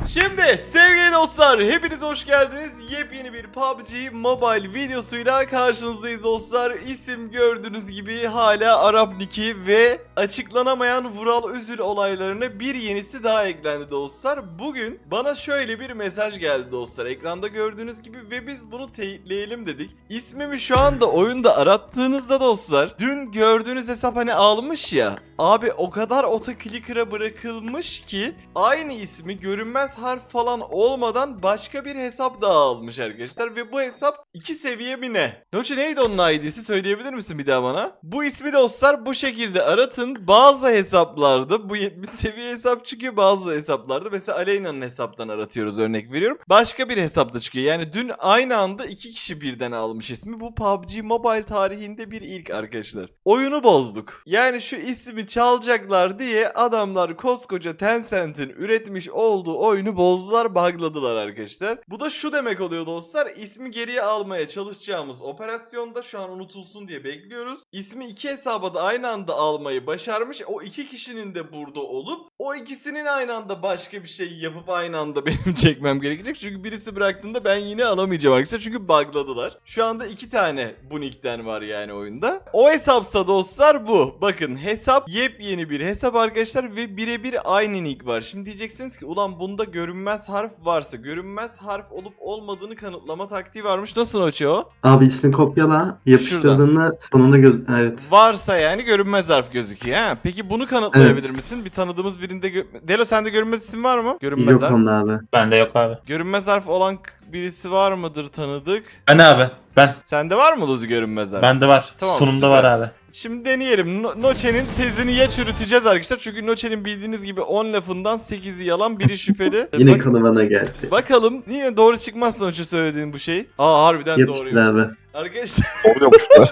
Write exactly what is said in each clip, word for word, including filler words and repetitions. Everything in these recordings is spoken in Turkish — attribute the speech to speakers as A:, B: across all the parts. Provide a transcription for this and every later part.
A: Şimdi sevgili dostlar hepiniz hoş geldiniz. Yepyeni bir P U B G Mobile videosuyla karşınızdayız dostlar. İsim gördüğünüz gibi hala Arap Niki ve açıklanamayan Vural Üzül olaylarına bir yenisi daha eklendi dostlar. Bugün bana şöyle bir mesaj geldi dostlar. Ekranda gördüğünüz gibi ve biz bunu teyitleyelim dedik. İsmimi şu anda oyunda arattığınızda dostlar dün gördüğünüz hesap hani almış ya. Abi o kadar otoclicker'a bırakılmış ki aynı ismi görünmez harf falan olmadan başka bir hesap daha almış arkadaşlar ve bu hesap iki seviye mi ne? Noche neydi onun I D'si söyleyebilir misin bir daha bana? Bu ismi dostlar bu şekilde aratın. Bazı hesaplarda bu yetmiş seviye hesap çıkıyor, bazı hesaplarda mesela Aleyna'nın hesaptan aratıyoruz örnek veriyorum. Başka bir hesapta çıkıyor. Yani dün aynı anda iki kişi birden almış ismi. Bu P U B G Mobile tarihinde bir ilk arkadaşlar. Oyunu bozduk. Yani şu ismi çalacaklar diye adamlar koskoca Tencent'in üretmiş olduğu oyunu bozdular, bugladılar arkadaşlar. Bu da şu demek oluyor dostlar. İsmi geriye almaya çalışacağımız operasyonda şu an unutulsun diye bekliyoruz. İsmi iki hesaba da aynı anda almayı başarmış. O iki kişinin de burada olup o ikisinin aynı anda başka bir şey yapıp aynı anda benim çekmem gerekecek. Çünkü birisi bıraktığında ben yine alamayacağım arkadaşlar. Çünkü bugladılar. Şu anda iki tane bu nickten var yani oyunda. O hesapsa dostlar bu. Bakın hesap yepyeni bir hesap arkadaşlar ve birebir aynı nick var. Şimdi diyeceksiniz ki ulan bunda görünmez harf varsa görünmez harf olup olmadığını kanıtlama taktiği varmış. Nasıl açıyor o?
B: Abi ismi kopyala, yapıştırdığında sonunda göz... Evet.
A: Varsa yani görünmez harf gözüküyor ha. Peki bunu kanıtlayabilir evet. misin? Bir tanıdığımız birinde... Gö- Delo sende görünmez isim var mı? Görünmez
B: Yok
A: harf.
B: onda abi.
C: Bende yok abi.
A: Görünmez harf olan birisi var mıdır tanıdık?
C: Ben abi. Ben.
A: Sende var mı Luzi görünmez harf?
C: Bende var.
A: Tamam,
C: Sonunda
A: süper.
C: var abi.
A: Şimdi deneyelim. No- Noche'nin tezini ya çürüteceğiz arkadaşlar. Çünkü Noche'nin bildiğiniz gibi on lafından sekizi yalan, biri şüpheli.
B: Yine
A: Bak-
B: konu bana geldi.
A: Bakalım niye doğru çıkmazsa Noche söylediğin bu şey. Aa harbiden
B: Yapıştır
A: doğruymuş.
B: abi.
A: Arkadaşlar
D: Oluyormuşlar.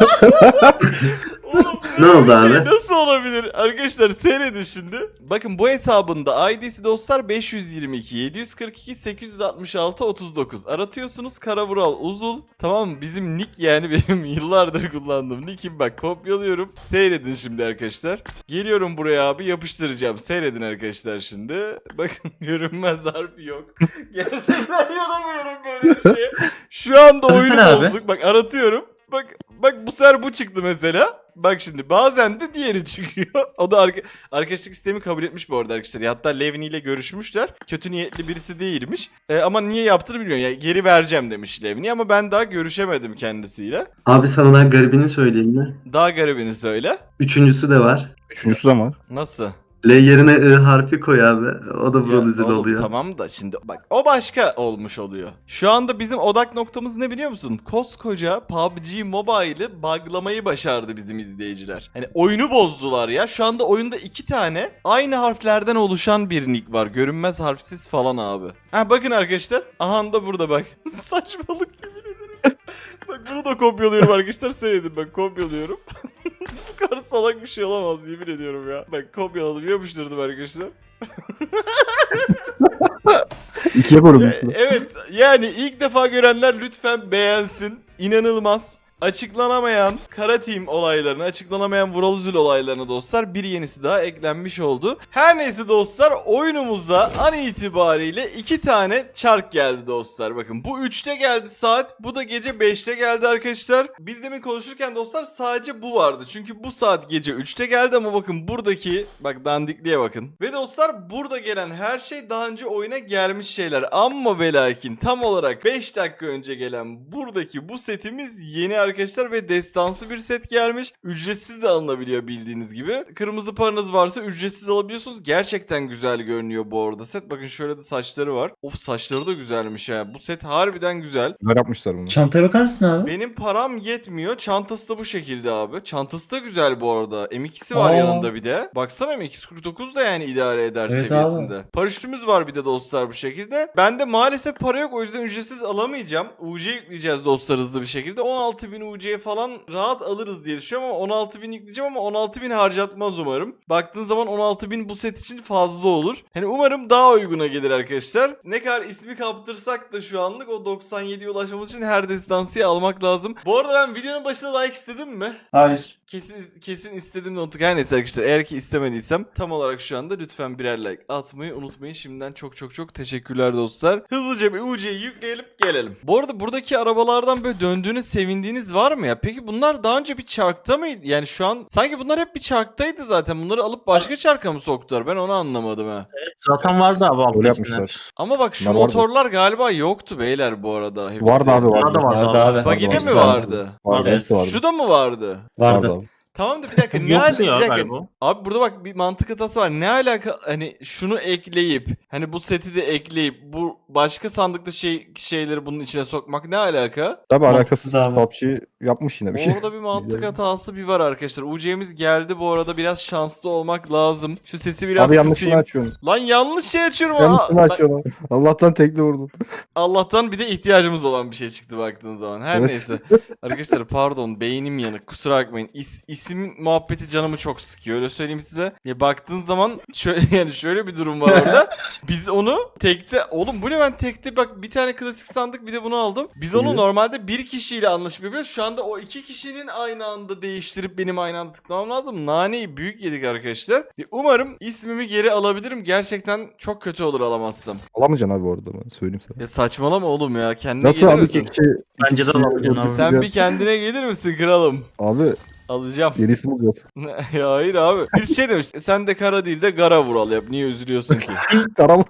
A: oğlum,
B: Ne
A: böyle
B: oldu
A: bir şey
B: abi?
A: nasıl olabilir? Arkadaşlar seyredin şimdi. Bakın bu hesabında I D'si dostlar beş yüz yirmi iki yedi yüz kırk iki sekiz yüz altmış altı otuz dokuz. Aratıyorsunuz Karavural Uzul. Tamam mı? Bizim nick yani benim yıllardır kullandığım nick'im bak kopyalıyorum. Seyredin şimdi arkadaşlar. Geliyorum buraya abi yapıştıracağım. Seyredin arkadaşlar şimdi. Bakın görünmez harf yok. Gerçekten yanamıyorum böyle bir şeye. Şu anda oyunu
C: Arasana abi.
A: bozduk. Bak aratıyorum. Bak bak bu sefer bu çıktı mesela. Bak şimdi bazen de diğeri çıkıyor. O da arka, arkadaşlık sistemi kabul etmiş bu arada arkadaşlar. Hatta Levni ile görüşmüşler. Kötü niyetli birisi değilmiş. Ee, ama niye yaptığını bilmiyorum. Yani geri vereceğim demiş Levni ama ben daha görüşemedim kendisiyle.
B: Abi sana daha garibini söyleyeyim mi?
A: Daha garibini söyle.
B: Üçüncüsü de var.
D: Üçüncüsü de var.
A: Nasıl?
B: L yerine I harfi koy abi. O da
A: Ya
B: Vural Üzül
A: oğlum,
B: oluyor.
A: tamam da şimdi bak o başka olmuş oluyor. Şu anda bizim odak noktamız ne biliyor musun? Koskoca P U B G Mobile'ı buglamayı başardı bizim izleyiciler. Hani oyunu bozdular ya. Şu anda oyunda iki tane aynı harflerden oluşan bir nick var. Görünmez harfsiz falan abi. Ha bakın arkadaşlar. Aha da burada bak. Saçmalık yemin ederim. Bak bunu da kopyalıyorum arkadaşlar. Seyredin bak kopyalıyorum. Bu kadar salak bir şey olamaz yemin ediyorum ya. Bak kopyaladım yapıştırdım arkadaşlar.
D: İkiye
A: E,
D: bölünmüşler.
A: evet yani ilk defa görenler lütfen beğensin. İnanılmaz. Açıklanamayan Kara Team olaylarını, açıklanamayan Vural Üzül olaylarına dostlar bir yenisi daha eklenmiş oldu. Her neyse dostlar oyunumuza an itibariyle iki tane çark geldi dostlar. Bakın bu üçte geldi saat, bu da gece beşte geldi arkadaşlar. Biz demin konuşurken dostlar sadece bu vardı. Çünkü bu saat gece üçte geldi ama bakın buradaki, bak dandikliğe bakın. Ve dostlar burada gelen her şey daha önce oyuna gelmiş şeyler. Amma ve lakin tam olarak beş dakika önce gelen buradaki bu setimiz yeni arkadaşlar ve destansı bir set gelmiş. Ücretsiz de alınabiliyor bildiğiniz gibi. Kırmızı paranız varsa ücretsiz alabiliyorsunuz. Gerçekten güzel görünüyor bu arada set. Bakın şöyle de saçları var. Of saçları da güzelmiş ha. Bu set harbiden güzel.
D: Güzel yapmışlar bunu.
C: Çantaya bakar mısın abi?
A: Benim param yetmiyor. Çantası da bu şekilde abi. Çantası da güzel bu arada. M ikisi var
C: Aa.
A: yanında bir de. Baksana M iki kırk dokuz da yani idare eder
C: Evet
A: seviyesinde. Paraşütümüz var bir de dostlar bu şekilde. Bende maalesef para yok o yüzden ücretsiz alamayacağım. U C yükleyeceğiz dostlar hızlı bir şekilde. on altı bin U C'ye falan rahat alırız diye düşünüyorum ama on altı bin yükleyeceğim ama on altı bin harcatmaz umarım. Baktığın zaman on altı bin bu set için fazla olur. Hani umarım daha uyguna gelir arkadaşlar. Ne kadar ismi kaptırsak da şu anlık o doksan yediye ulaşmamız için her destansıyı almak lazım. Bu arada ben videonun başında like istedim mi?
C: Hayır.
A: Kesin kesin istedim de unuttuk. Her neyse arkadaşlar, eğer ki istemediysem tam olarak şu anda lütfen birer like atmayı unutmayın. Şimdiden çok çok çok teşekkürler dostlar. Hızlıca bir U C'yi yükleyelim gelelim. Bu arada buradaki arabalardan böyle döndüğünüz sevindiğiniz var mı ya? Peki bunlar daha önce bir çarkta mıydı? Yani şu an sanki bunlar hep bir çarktaydı zaten. Bunları alıp başka çarka mı soktular? Ben onu anlamadım ha.
C: Zaten vardı abi
D: Öyle
C: alttakiler.
D: yapmışlar.
A: Ama bak şu
D: Bunlar vardı.
A: motorlar galiba yoktu beyler bu arada. Hepsi.
D: Vardı abi vardı.
C: Vardı vardı,
E: Vardı
C: abi.
E: abi.
A: Bagi'de
D: Vardı,
A: mi
D: vardı.
A: vardı?
D: Vardı,
C: Evet.
D: hepsi vardı.
A: Şu da mı vardı?
E: Vardı.
D: abi.
A: Tamam da bir dakika. ne
C: Yoktu
A: al- bir
C: ya
A: dakika.
C: galiba.
A: Abi burada bak bir mantık hatası var. Ne alaka hani şunu ekleyip hani bu seti de ekleyip bu başka sandıkta şey şeyleri bunun içine sokmak ne alaka?
D: Tabii
E: Mantıksız
D: alakasız
E: abi.
D: P U B G yapmış yine bir şey.
A: Orada bir mantık
D: Yani.
A: hatası bir var arkadaşlar. U C'miz geldi bu arada, biraz şanslı olmak lazım. Şu sesi biraz
D: Abi yanlışını
A: kısayım.
D: açıyorsun.
A: Lan yanlış şey açıyorum. Aa,
D: Yanlışını
A: bak-
D: açıyorsun. Allah'tan tekli vurdun.
A: Allah'tan bir de ihtiyacımız olan bir şey çıktı baktığın zaman. Her
D: Evet.
A: neyse. Arkadaşlar pardon, beynim yanık, kusura bakmayın. İs, isim muhabbeti canımı çok sıkıyor, öyle söyleyeyim size. Ya baktığın zaman şöyle yani şöyle bir durum var orada. Biz onu tekte, oğlum bu ne, ben tekte bak bir tane klasik sandık bir de bunu aldım. Biz onu
D: İyi.
A: normalde bir kişiyle anlaşıp yapıyoruz. Şu anda o iki kişinin aynı anda değiştirip benim aynı anda tıklamam lazım. Naneyi büyük yedik arkadaşlar. Umarım ismimi geri alabilirim. Gerçekten çok kötü olur alamazsam.
D: Alamayacaksın abi bu arada ben söyleyeyim sana.
A: Ya saçmalama oğlum ya. Kendine
D: Nasıl
A: gelir
D: abi
A: misin?
D: iki kişi?
C: Bence de
D: iki kişi
C: alamayacaksın abi.
D: öldürdük
A: Sen
D: ya.
A: bir kendine gelir misin kralım?
D: Abi
A: Alacağım.
D: yeni isim bulacağız.
A: Ya hayır abi. Bir şey demiş. Sen de kara değil de gara vural yap. Niye üzülüyorsun ki?
D: Karam.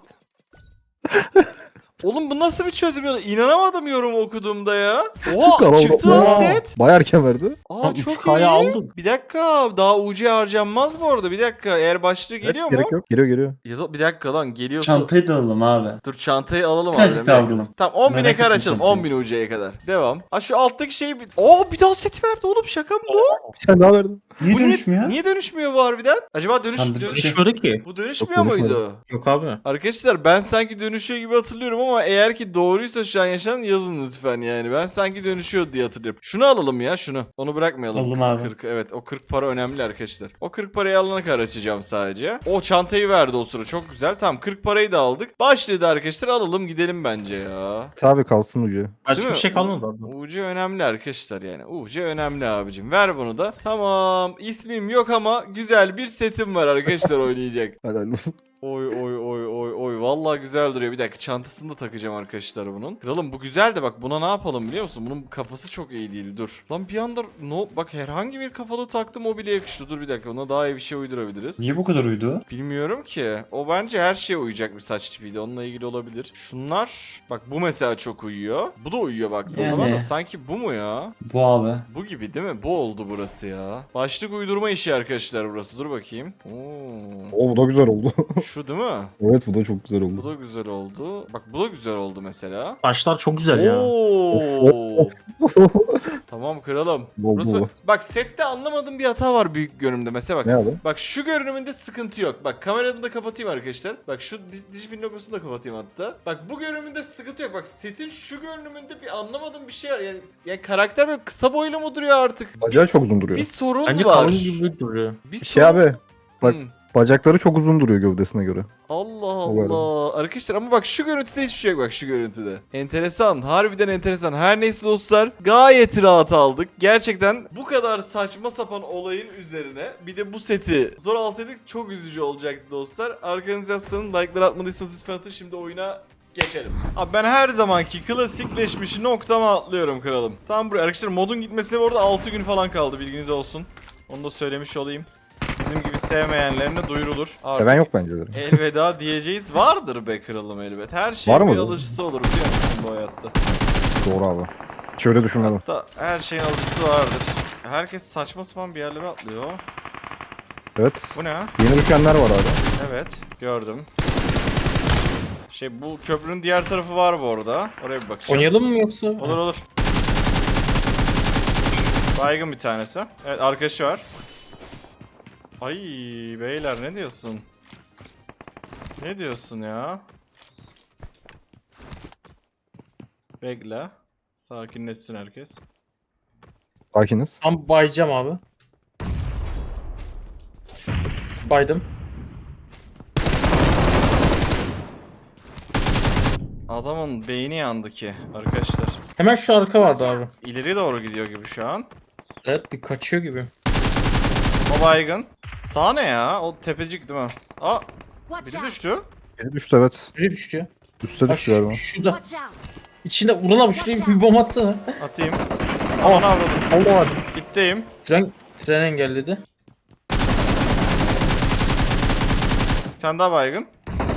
A: Oğlum bu nasıl bir çözüm yolu? İnanamadım yorum okuduğumda ya. Oha
D: Karam.
A: çıktı lan
C: Oha.
A: set.
D: Bayağı erken verdi.
A: Aa
C: Lan
A: çok
C: üç K'ya
A: iyi.
C: aldık.
A: Bir dakika, daha U C harcanmaz bu arada. Bir dakika, eğer başlığı geliyor
D: Evet,
A: mu?
D: Gerek yok. Geliyor geliyor.
A: Ya da bir dakika lan, geliyorsa.
E: Çantayı da alalım abi.
A: Dur çantayı alalım abi.
E: Birazcık
A: bir
E: daha
A: dakika.
E: alalım.
A: Tamam on bine
E: Merak
A: kadar
E: ettim
A: açalım.
E: çantayı.
A: on bin U C'ye kadar. Devam. Ha şu alttaki şeyi bir... Oo bir daha set verdi oğlum, şaka mı bu?
D: Bir tane daha verdi.
E: Niye
A: Bu
E: döndürmüyor?
A: Niye dönüşmüyor bu harbiden? Acaba dönüş...
E: Tam
A: dönüş...
E: dönüş-
C: Düşmedi ki.
A: Bu dönüşmüyor
D: Yok, dönüşmedi.
A: muydu?
C: Yok abi.
A: Arkadaşlar ben sanki dönüşüyor gibi hatırlıyorum ama eğer ki doğruysa şu an yaşanan yazın lütfen yani. Ben sanki dönüşüyor diye hatırlıyorum. Şunu alalım ya, şunu. Onu bırakmayalım.
E: Alalım abi.
A: kırk, evet o kırk para önemli arkadaşlar. O kırk parayı alana kadar açacağım sadece. O çantayı verdi o sıra, çok güzel. Tamam kırk parayı da aldık. Başladı arkadaşlar, alalım gidelim bence ya.
D: Tabii kalsın ucu.
C: Başka
A: Değil
C: bir
A: mi?
C: şey kalmadı abi.
A: U C önemli arkadaşlar yani. U C önemli abicim. Ver bunu da. Tamam. İsmim yok ama güzel bir setim var arkadaşlar oynayacak.
D: Hadi hayırlı olsun.
A: Oy oy oy oy oy. Vallahi güzel duruyor. Bir dakika çantasını da takacağım arkadaşlar bunun. Kralım bu güzel de bak buna ne yapalım biliyor musun? Bunun kafası çok iyi değil. Dur. Lan bir anda no bak herhangi bir kafalı taktım, o bile yakıştı. Dur bir dakika, ona daha iyi bir şey uydurabiliriz.
E: Niye bu kadar uydu?
A: Bilmiyorum ki. O bence her şeye uyacak bir saç tipiydi. Onunla ilgili olabilir. Şunlar bak bu mesela çok uyuyor. Bu da uyuyor baktığın
E: Yani.
A: zaman da sanki bu mu ya?
E: Bu abi.
A: Bu gibi değil mi? Bu oldu burası ya. Başlık uydurma işi arkadaşlar burası. Dur bakayım. Oo.
D: O bu da güzel oldu.
A: Şu değil mi?
D: Evet bu da çok güzel
A: Bu
D: oldu.
A: da güzel oldu. Bak bu da güzel oldu mesela.
C: Başlar çok güzel ya.
A: Oo. Tamam kralım.
D: Bol
A: Burası
D: bol.
A: bak, bak sette anlamadığım bir hata var büyük görünümde. Mesela bak.
D: Ne abi?
A: Bak şu görünümünde sıkıntı yok. Bak kameramı da kapatayım arkadaşlar. Bak şu di- Digipin logosunu da kapatayım hatta. Bak bu görünümünde sıkıntı yok. Bak setin şu görünümünde bir anlamadığım bir şey var. Yani, yani karakter böyle kısa boylu mu duruyor artık?
D: Bacağı
A: Bir-
D: çok uzun duruyor.
A: Bir sorun
C: Bence
A: var.
C: kalın gibi duruyor.
A: Bir
D: Şey
A: sorun-
D: abi. Bak
A: Hmm.
D: bacakları çok uzun duruyor gövdesine göre.
A: Allah
D: O var.
A: Allah. Arkadaşlar ama bak şu görüntüde hiçbir şey yok, bak şu görüntüde. Enteresan. Harbiden enteresan. Her neyse dostlar, gayet rahat aldık. Gerçekten bu kadar saçma sapan olayın üzerine bir de bu seti zor alsaydık çok üzücü olacaktı dostlar. Arkanızı yaslanın. Like'ları atmadıysanız lütfen atın. Şimdi oyuna geçelim. Abi ben her zamanki klasikleşmiş noktama atlıyorum kralım. Tam buraya. Arkadaşlar modun gitmesine orada altı gün falan kaldı, bilginiz olsun. Onu da söylemiş olayım. Bizim gibi sevmeyenlerine duyurulur. Artık
D: Seven yok bence de.
A: elveda diyeceğiz. Vardır be kralım elbet. Her
D: Var
A: şeyin bir
D: mıdır?
A: alıcısı olur biliyor musun bu hayatta?
D: Doğru abi. Hiç öyle düşünmedim.
A: Hatta her şeyin alıcısı vardır. Herkes saçma sapan bir yerlere atlıyor.
D: Evet.
A: Bu ne?
D: Yeni düşenler var abi.
A: Evet gördüm. Şey bu köprünün diğer tarafı var bu arada. Oraya bir bakacağım.
C: Oynayalım mı yoksa?
A: Olur olur. Baygın bir tanesi. Evet arkadaşı var. Ay beyler ne diyorsun? Ne diyorsun ya? Bekle. Sakinleşsin herkes.
D: Sakiniz.
C: Tam bayacağım abi. Baydım.
A: Adamın beyni yandı ki arkadaşlar.
C: Hemen şu arka vardı abi.
A: İleri doğru gidiyor gibi şu an.
C: Evet bir kaçıyor gibi.
A: O baygın. Sağ ne ya? O tepecik değil mi? Aa,
E: Watch
A: biri
E: out.
A: düştü.
D: Biri düştü evet.
C: Biri düştü.
D: Üste
C: Bak
D: düştü
C: şu,
D: galiba.
C: şurada.
E: Watch out.
C: İçinde Ulan abi şuraya bir bomba atsana.
A: Atayım. Aman avradım.
D: Allah var.
A: Gitteyim.
C: Tren, tren engelledi.
A: Bir tane daha baygın.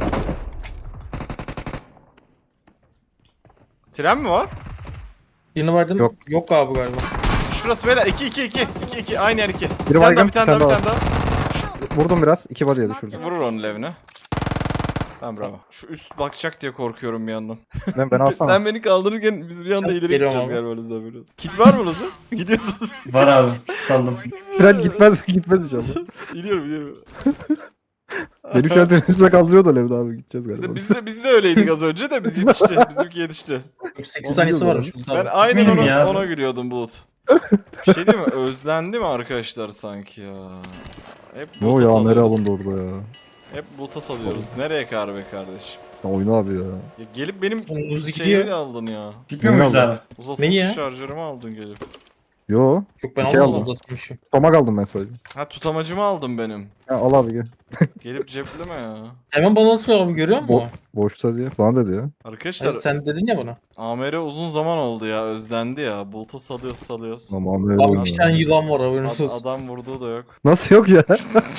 A: Tren mi var?
C: Birini vardım.
D: Yok.
C: Yok abi galiba.
A: Şurası beyler. iki iki iki. iki iki. Aynı yer iki. Bir
D: Biri
A: tane daha,
D: baygın,
A: bir tane daha, bir tane daha.
D: Vurdum biraz. iki body'ye düşürdüm.
A: Vurur onun levine. Tamam bravo. Şu üst bakacak diye korkuyorum bir yandan.
D: Ben, ben alsana.
A: Sen beni kaldırırken biz bir anda
C: Çok
A: ileri
C: geliyorum
A: gideceğiz
C: ama.
A: galiba Luzu abi. Kit var mı Luzu? Gidiyorsunuz.
F: Var abi. Saldım.
D: Tren gitmez gitmez inşallah.
A: İniyorum iniyorum.
D: Beni şu an trenin üstüne kaldırıyor da Levda abi gideceğiz galiba.
A: Biz de, biz de öyleydik az önce de biz yetişti. Bizimki yetişti.
C: sekiz saniyesi varmış.
A: Ben aynen
F: Benim
A: ona,
F: ya.
A: ona gülüyordum Bulut. Bir şey değil mi? Özlendi mi arkadaşlar sanki ya? Hep
D: Ne o
A: Bulut'a
D: ya nereye
A: salıyoruz.
D: alındı orada ya?
A: Hep Bulut'a salıyoruz. Nereye kar be kardeşim?
D: Ya oyna abi ya.
A: Ya gelip benim
C: Uzi
A: şeyimi
C: gidiyor.
A: de aldın ya.
F: Gitmiyor muyuz
D: Neyi
F: abi?
A: Uzasılmış
C: Neyi ya?
A: şarjörümü aldın gelip.
D: Yo.
C: Yok ben
D: İki
C: almadım
D: aldım.
C: uzatmışım.
D: Tomak aldım ben sadece.
A: Ha tutamacımı aldın benim.
D: Ha, al abi gel.
A: Gelip cepleme ya.
C: Hemen bana atıyor abi görüyor musun?
D: Bo boşta diye falan dedi ya.
A: Arkadaşlar
C: Sen, sen dedin ya bana.
A: A M R uzun zaman oldu ya. Özlendi ya. Bulut'a salıyoruz salıyoruz.
D: Ama Amir
C: Abi
D: oynuyor.
C: iki tane yılan var haberiniz
A: Ad-
C: olsun.
A: adam vurduğu da yok.
D: Nasıl yok ya?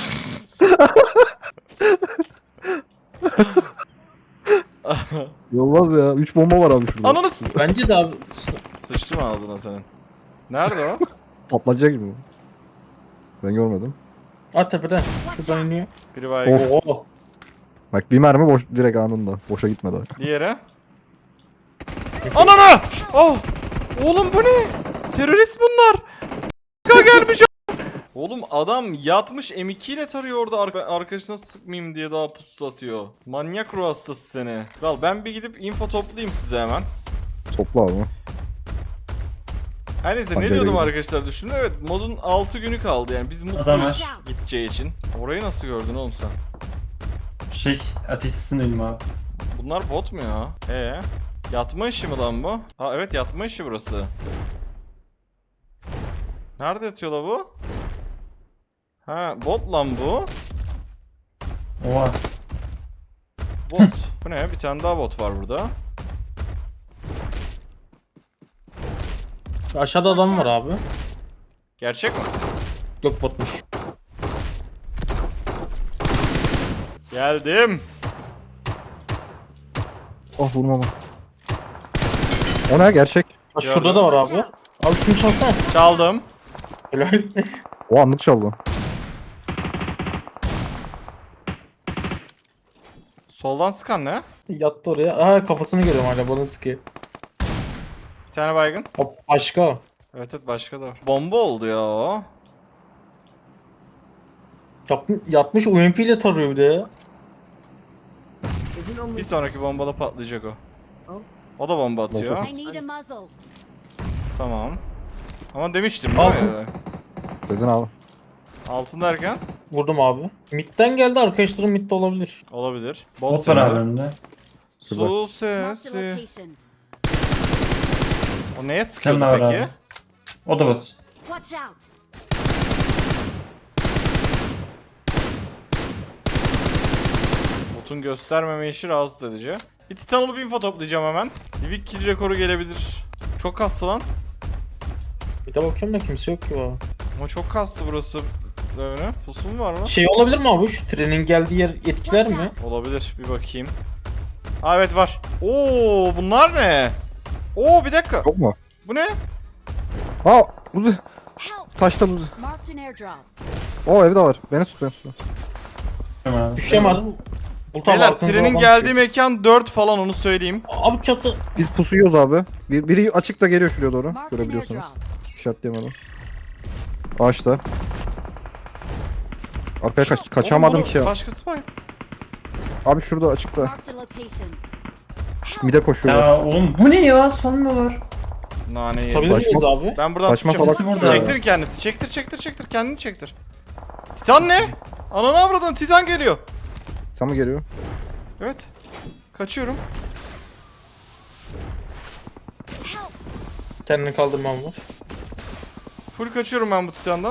D: Olmaz ya. üç bomba var abi şurada.
A: Ananı s-
C: Bence de abi.
A: Sıçtım ağzına senin. Nerede o?
D: Patlayacak gibi. Ben görmedim.
C: At tepeden. Şuradan iniyor.
A: Biri baygın.
D: Of.
C: Oo.
D: Bak bir mermi boş direkt anında. Boşa gitmedi.
A: Diğeri. Ananı! Oh! Oğlum bu ne? Terörist bunlar. K gelmiş. Oğlum adam yatmış M iki ile tarıyor orada arka arkadaşına sıkmayayım diye daha pusu atıyor. Manyak ruh hastası seni. Kral ben bir gidip info toplayayım size hemen.
D: Topla abi.
A: Her neyse ne
D: Hadi
A: diyordum
D: gidelim.
A: arkadaşlar düşündüm. Evet modun altı günü kaldı yani biz mutluyuz
F: Adamlar.
A: gideceği için. Orayı nasıl gördün oğlum sen?
F: Şey ateşsizin ölüm abi.
A: Bunlar bot mu ya? Ee, yatma işi mi lan bu? Ha evet yatma işi burası. Nerede yatıyor la bu? Ha bot lan bu.
F: Oha.
A: Bot. Bu ne? Bir tane daha bot var burada.
C: Şu aşağıda adam var abi.
A: Gerçek mi?
C: Yok botmuş.
A: Geldim.
D: Oh vurma bak. O ne gerçek?
C: Ha, şurada da var abi. Abi şunu çalsana.
A: Çaldım.
C: Helal.
D: O anlık çaldı.
A: Soldan sıkan ne?
C: Yattı oraya. Aa kafasını görüyorum hala bana sıkıyor.
A: Bir tane baygın.
C: Hop başka o.
A: Evet evet başka da var. Bomba oldu ya o.
C: Yap, yatmış U M P ile tarıyor bir de ya.
A: Bir sonraki bombada patlayacak o. O da bomba atıyor.
E: I need a muzzle.
A: Tamam. Ama demiştim
C: Al.
A: değil mi?
D: Dedin abi.
A: Altın derken
C: Vurdum abi. Mid'den geldi arkadaşlarım mid'de olabilir.
A: olabilir. Bot
F: Bot var
A: sesi.
F: abi önünde.
A: Su
E: Marked a
A: sesi.
E: location.
A: O neye sıkıyordu
F: Kendi var
A: peki?
F: abi. O da bot.
E: Watch out.
A: Botun göstermeme işi rahatsız edici. Bir titan olup info toplayacağım hemen. Livik kill rekoru gelebilir. Çok kastı lan.
C: Bir de bakıyorum da kimse yok ki abi.
A: Ama çok kastı burası. Öyle. Pusu mu var lan?
C: Şey olabilir mi abi? Şu trenin geldiği yer etkiler mi?
A: Olabilir. Bir bakayım. Aa evet var. Oo bunlar ne? Oo bir dakika.
D: Yok mu?
A: Bu ne?
D: Aa Uzi.
E: Help.
D: Taşta Uzi.
E: Marked an airdrop.
D: O evde var. Beni tut beni tut.
F: Tamam abi.
C: Düşeceğim abi. Bulut abi
A: Beyler
C: arkanıza
A: trenin
C: adam
A: geldiği
C: düşüyor.
A: mekan dört falan onu söyleyeyim.
C: Abi çatı.
D: Biz pusuyoruz abi. Bir, biri açıkta geliyor şuraya doğru.
E: Marked an
D: Görebiliyorsunuz.
E: airdrop.
D: İşaretleyemedim. Ağaçta. Arkaya kaç kaçamadım
A: Oğlum,
D: ki ya.
A: Başkası var.
D: Abi şurada açıkta.
E: Marked a location.
D: Mide koşuyorlar.
F: Ya oğlum bu ne ya? Sanmıyorlar.
A: Naneyi
C: Tutabilir
A: yesin.
C: miyiz abi?
A: Ben buradan
D: Saçma
A: tutacağım.
D: salak
F: burada.
A: Çektir kendisi. Çektir çektir çektir. Kendini çektir. Titan ne? Ananı avradın. Titan geliyor.
D: Sen mi geliyor?
A: Evet. Kaçıyorum.
E: Help!
C: Kendini kaldırmam var.
A: Full kaçıyorum ben bu Titan'dan.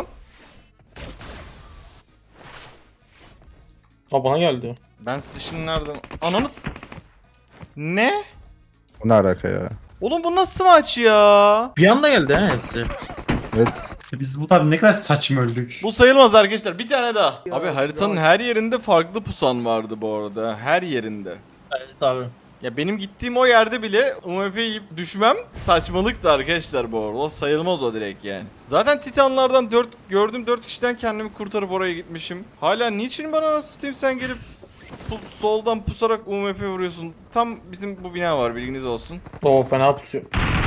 C: Aa bana geldi.
A: Ben sizi şimdi nereden... Ananız... Ne?
D: O ne alaka ya?
A: Oğlum bu nasıl maç ya?
C: Bir anda geldi ha hepsi.
D: Evet.
F: Biz bu tabi ne kadar saçma öldük.
A: Bu sayılmaz arkadaşlar. Bir tane daha. Abi haritanın her yerinde farklı pusan vardı bu arada. Her yerinde.
C: Evet abi.
A: Ya benim gittiğim o yerde bile U M P yiyip düşmem saçmalıktı arkadaşlar bu arada. O sayılmaz o direkt yani. Zaten Titanlardan dört gördüğüm dört kişiden kendimi kurtarıp oraya gitmişim. Hala niçin bana nasıl satayım sen gelip pu- soldan pusarak U M P vuruyorsun. Tam bizim bu bina var bilginiz olsun.
C: Oo fena pusuyor.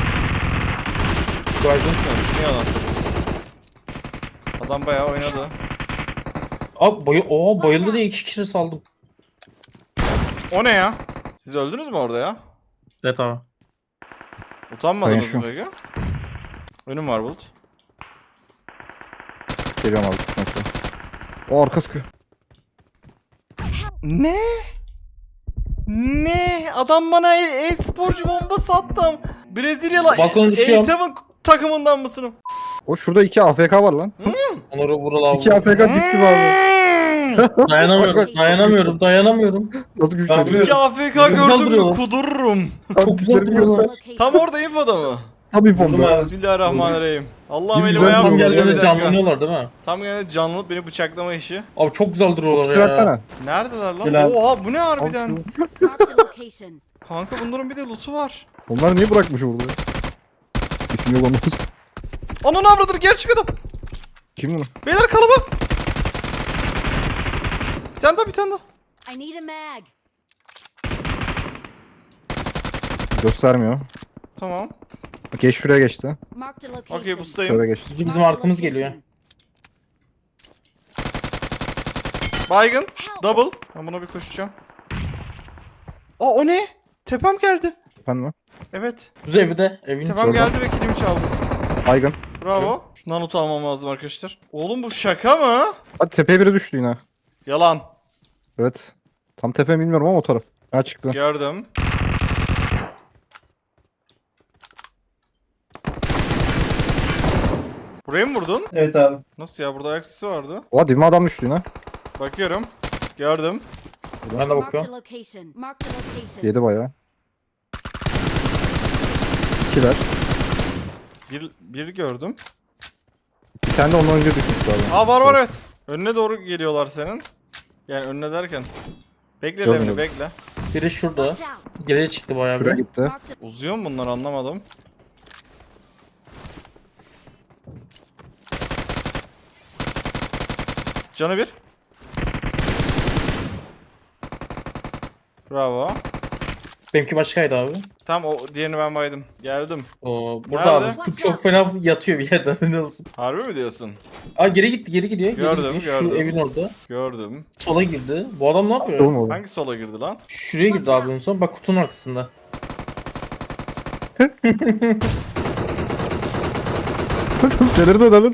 A: Gördün mü? Ne yalan söylüyorsun. Adam bayağı oynadı.
C: Abi bayı Oo bayıldı diye iki kişi saldım.
A: O ne ya? Siz öldünüz mü orada ya?
C: Evet abi.
A: Utanmadınız
D: Ben
A: mı
D: şu-
A: peki? Önüm var Bulut.
D: Geliyorum abi. Neyse. O arka sıkıyor.
A: Ne? Ne? Adam bana e- e-sporcu bombası attı. Brezilyalı
C: Balkona
A: E
C: düşüyorum.
A: seven takımından mısın?
D: O şurada iki A F K var lan.
C: Onları Vural abi.
D: İki A F K diktim abi.
C: Dayanamıyorum. Dayanamıyorum. Dayanamıyorum.
D: Nasıl
F: Ben
D: güçleniyor?
F: vuruyorum.
A: İki A F K
C: Güzel
A: gördüm mü
C: duruyorlar.
A: kudururum.
C: Çok güzel
D: güçlerini
C: duruyorlar.
D: göster.
A: Tam orada infoda mı?
D: Tabii
F: Vurdum
D: bomba.
F: abi.
A: Bismillahirrahmanirrahim. Allah'ım
D: Bir
A: elim
D: güzel
A: ayağım
C: Tam
D: duruyorlar.
A: titriyor, bir
C: yerlerinde
A: dakika.
C: canlanıyorlar değil mi?
A: Tam geldi canlı beni bıçaklama işi.
C: Abi çok güzel duruyorlar
D: Kutu
C: ya.
D: versene.
A: Neredeler lan?
F: Gel abi.
A: Oha bu ne harbiden?
E: Marked a location.
A: Kanka bunların bir de loot'u var.
D: Onlar niye bırakmış orada? İsim yok olmaz.
A: Ananı avradır gerçek adam.
D: Kim bunu?
A: Beyler kalabalık. Bir tane daha bir tane daha.
E: I need a mag.
D: Göstermiyor.
A: Tamam.
D: Geç şuraya geçti.
E: Marked a location.
A: Okey bustayım.
D: Şuraya geçti.
C: Bizim, bizim
E: Marked a
C: arkamız geliyor.
E: location.
A: Baygın. Double. Ben buna bir koşacağım. Aa o ne? Tepem geldi.
D: Efendim mi?
A: Evet.
C: Biz evde. Evin
A: Tepem
C: içinde.
A: geldi ve kilimi çaldı.
D: Baygın.
A: Bravo. Şundan not almam lazım arkadaşlar. Oğlum bu şaka mı?
D: Hadi tepeye biri düştü yine.
A: Yalan.
D: Evet. Tam tepe bilmiyorum ama o taraf. Ha çıktı.
A: Gördüm. Buraya mı vurdun?
F: Evet abi.
A: Nasıl ya? Burada ayak sesi vardı.
D: Oha dibime adam düştü yine.
A: Bakıyorum. Gördüm.
C: Ben de
E: Marked a
C: bakıyorum.
E: location. Marked a location.
D: Yedi bayağı. İkiler.
A: Bir, bir gördüm.
D: Bir tane de ondan önce düşmüş abi.
A: Aa var var evet. Önüne doğru geliyorlar senin. Yani önüne derken. Bekle
D: Görmüyorum.
A: Levni bekle.
C: Biri şurada.
E: Watch out.
C: Geriye çıktı bayağı
D: Şuraya
C: bir.
D: gitti.
E: Marked a
A: Uzuyor mu bunlar anlamadım. Canı bir. Bravo.
C: Benimki başkaydı abi.
A: Tam o diğerini ben baydım. Geldim.
C: Oo, burada
A: Nerede?
C: abi çok fena yatıyor bir yerden ne olsun.
A: Harbi mi diyorsun?
C: Aa geri gitti geri gidiyor. Geri
A: Gördüm,
C: gidiyor.
A: gördüm.
C: Şu evin orada.
A: Gördüm.
C: Sola girdi. Bu adam ne yapıyor?
D: Oğlum oğlum.
A: Hangi sola girdi lan?
C: Şuraya girdi abi en son. Bak kutunun arkasında.
D: Delirdi edelim.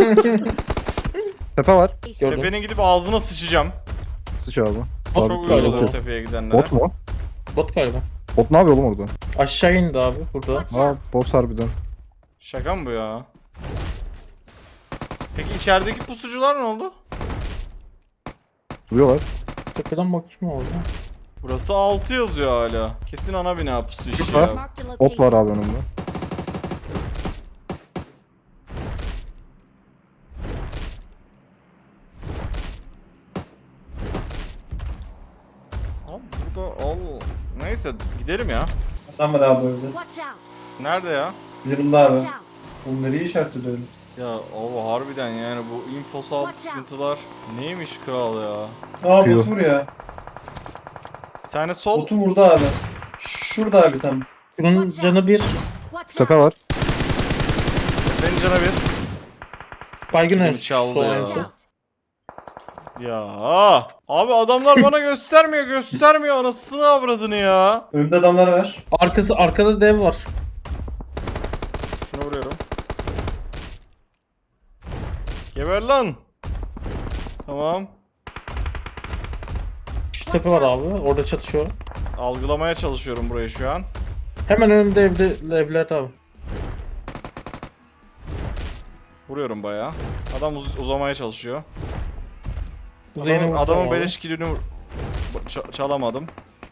D: Tepe var.
E: location.
C: Gördüm.
A: Tepenin gidip ağzına sıçacağım.
D: Sıç abi.
C: Bot
A: Çok
C: galiba.
A: uyuyorlar tepeye gidenlere.
D: Bot mu?
C: Bot galiba.
D: Bot ne yapıyor oğlum orada?
C: Aşağı indi abi burada.
E: Watch
D: Aa
E: out.
D: bot harbiden.
A: Şaka mı bu ya? Peki içerideki pusucular ne oldu?
D: Duruyorlar.
C: Tepeden bakayım orada.
A: Burası altı yazıyor hala. Kesin ana bina pusu işi
D: Var.
A: ya.
E: Marked a
D: Bot var
E: location.
D: abi önümde.
A: Abi burada al. Neyse gidelim ya.
F: Adam var abi böyle.
E: Watch out.
A: Nerede ya?
F: Yanımda abi.
E: Watch out.
F: Oğlum nereye işaret ediyor öyle?
A: Ya o harbiden yani bu infosal
E: Watch out.
A: sıkıntılar neymiş kral ya?
F: Aa
D: Kıyor.
F: botu vuruyor.
A: Bir tane sol.
F: Botu vurdu abi. Şurada abi tam.
C: Bunun canı bir.
E: Watch
D: Tepe
E: out.
D: var.
A: Benim cana bir.
C: Baygın
A: Kilimi
C: en
A: çaldı
C: sol
A: ya.
C: en
E: Watch
C: son.
E: out.
A: Ya abi adamlar bana göstermiyor göstermiyor anasını avradını ya.
F: Önümde adamlar var.
C: Arkası arkada dev var.
A: Geber lan. Tamam.
C: Şu tepe var abi. Orada çatışıyor.
A: Algılamaya çalışıyorum burayı şu an.
C: Hemen önümde evde evler abi.
A: Vuruyorum bayağı. Adam uz- uzamaya çalışıyor.
C: Kuzeyine
A: Adamın,
C: vuracağım
A: adamın
C: abi.
A: beleş kilini vur- ç- çalamadım.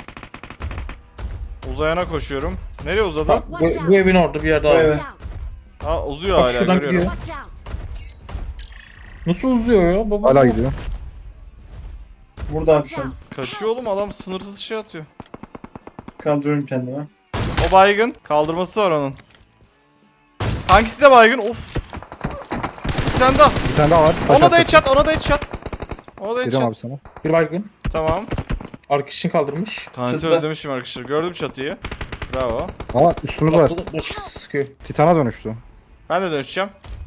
A: Uzayana koşuyorum. Nereye uzadı?
C: Bak, bu, bu evin orada bir yerde abi.
F: Evet.
E: Watch out.
A: Ha uzuyor
C: Bak
A: hala
C: şuradan
A: görüyorum.
C: gidiyor.
E: Watch out.
C: Nasıl uzuyor ya baba?
D: Hala gidiyor.
F: Burada abi
E: Watch
F: şu an.
E: out.
A: Kaçıyor oğlum adam sınırsız şey atıyor.
F: Kaldırıyorum kendime.
A: O baygın. Kaldırması var onun. Hangisi de baygın? Of. Bir tane daha.
D: Bir tane daha var. Taş
A: Ona da
D: arkası.
A: headshot, ona da headshot. Ona da
D: Geliyorum
A: headshot.
D: abi sana.
C: Bir baygın.
A: Tamam.
C: Arkadaşını kaldırmış.
A: Kaneti
F: Çatıda.
A: özlemişim arkadaşlar. Gördüm çatıyı. Bravo.
D: Ama üstümüz var.
C: Başka- Başkası sıkıyor.
D: Titana dönüştü.
A: Ben de dönüşeceğim.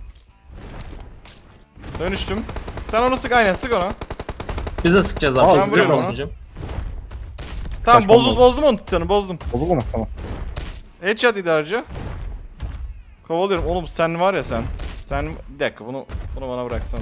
A: Dönüştüm. Sen onu sık aynen sık onu.
C: Biz de sıkacağız
D: Aa,
C: abi.
A: ben
C: Ben
A: vuruyorum
C: vuruyorum
A: ona.
C: hocam.
A: Tamam
D: Kaçmam
A: bozdum,
D: lazım.
A: bozdum onu titanı bozdum.
D: Oldu mu? Tamam.
A: Headshot idarcı. Kovalıyorum. Oğlum sen var ya sen. Sen bir dakika bunu bunu bana bıraksanıza.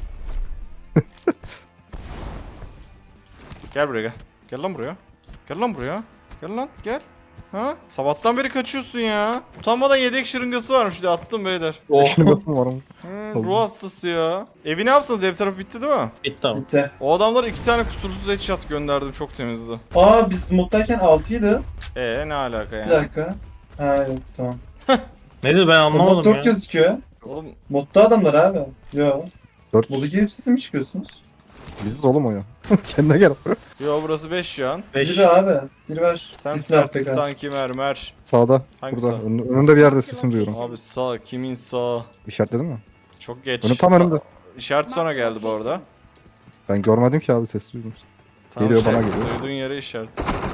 A: Gel buraya gel. Gel lan buraya. Gel lan buraya. Gel lan gel. Ha? Sabahtan beri kaçıyorsun ya. Utanmadan yedek şırıngası varmış diye attım beyler.
C: Oh.
D: Şimdi basın var mı?
A: Hı,
D: Oldu.
A: ruh hastası ya. Evi ne yaptınız? Ev tarafı bitti değil mi?
C: Bitti abi.
F: Bitti.
A: O adamlara iki tane kusursuz headshot gönderdim. Çok temizdi.
F: Aa biz moddayken altıydı.
A: Ee ne alaka
F: Bir
A: yani?
F: dakika. Ha yok tamam.
C: Neydi ben
F: Mod
C: anlamadım
F: dört
C: ya.
F: gözüküyor.
A: Oğlum
F: Modda adamlar abi. Yo.
D: Dört.
F: Modu girip siz mi çıkıyorsunuz?
D: Biziz oğlum o ya. Kendine gel.
A: yo burası beş şu an.
C: Beş.
F: Biri abi. Biri var.
A: Sen
F: Kesin altta
A: sertlik
F: kal.
A: sanki mermer.
D: Sağda.
A: Hangisi?
D: Burada. Ön- önünde bir yerde sesim duyuyorum.
A: Abi sağ kimin sağ?
D: İşaretledin mi?
A: Çok geç.
D: Önüm tam
A: Sağ-
D: önümde.
A: İşaret sonra geldi bu arada.
D: Ben görmedim ki abi ses duydum.
A: Tamam,
D: Geliyor,
A: şey,
D: bana geliyor.
A: Duyduğun yere işaret.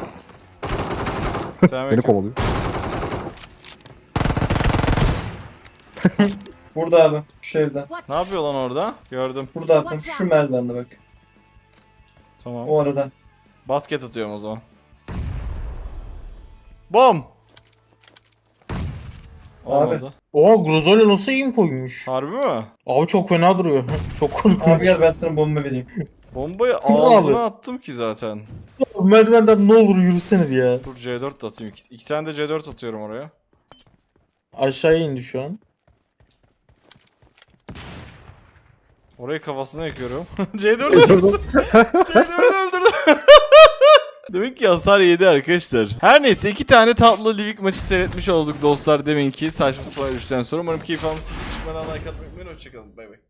D: Beni
A: Selamünaleyküm.
D: kovalıyor.
F: Burada abi. Şu evde.
A: Ne yapıyor lan orada? Gördüm.
F: Burada abi. tam Şu merdivende bak.
A: Tamam.
F: O arada.
A: Basket atıyorum o zaman. Bom! Olmadı.
C: Oha Grozolya nasıl iyi koymuş?
A: Harbi mi?
C: Abi çok fena duruyor. Çok korkunç.
F: Abi gel ben sana bomba vereyim.
A: Bombayı
C: Abi.
A: ağzına attım ki zaten.
C: Merdivenden ne olur yürüsene bir ya.
A: Dur C dört de atayım. İki, iki tane de C dört atıyorum oraya.
C: Aşağıya indi şu an.
A: Orayı kafasına yakıyorum. C dört öldürdüm. C dört öldürdüm. Demek ki hasar yedi arkadaşlar. Her neyse iki tane tatlı Livik maçı seyretmiş olduk dostlar demin ki. Saçma sapan üçten sonra. Umarım keyif almışsınız. Çıkmadan like atmayı unutmayın. Hoşçakalın. Bay bay.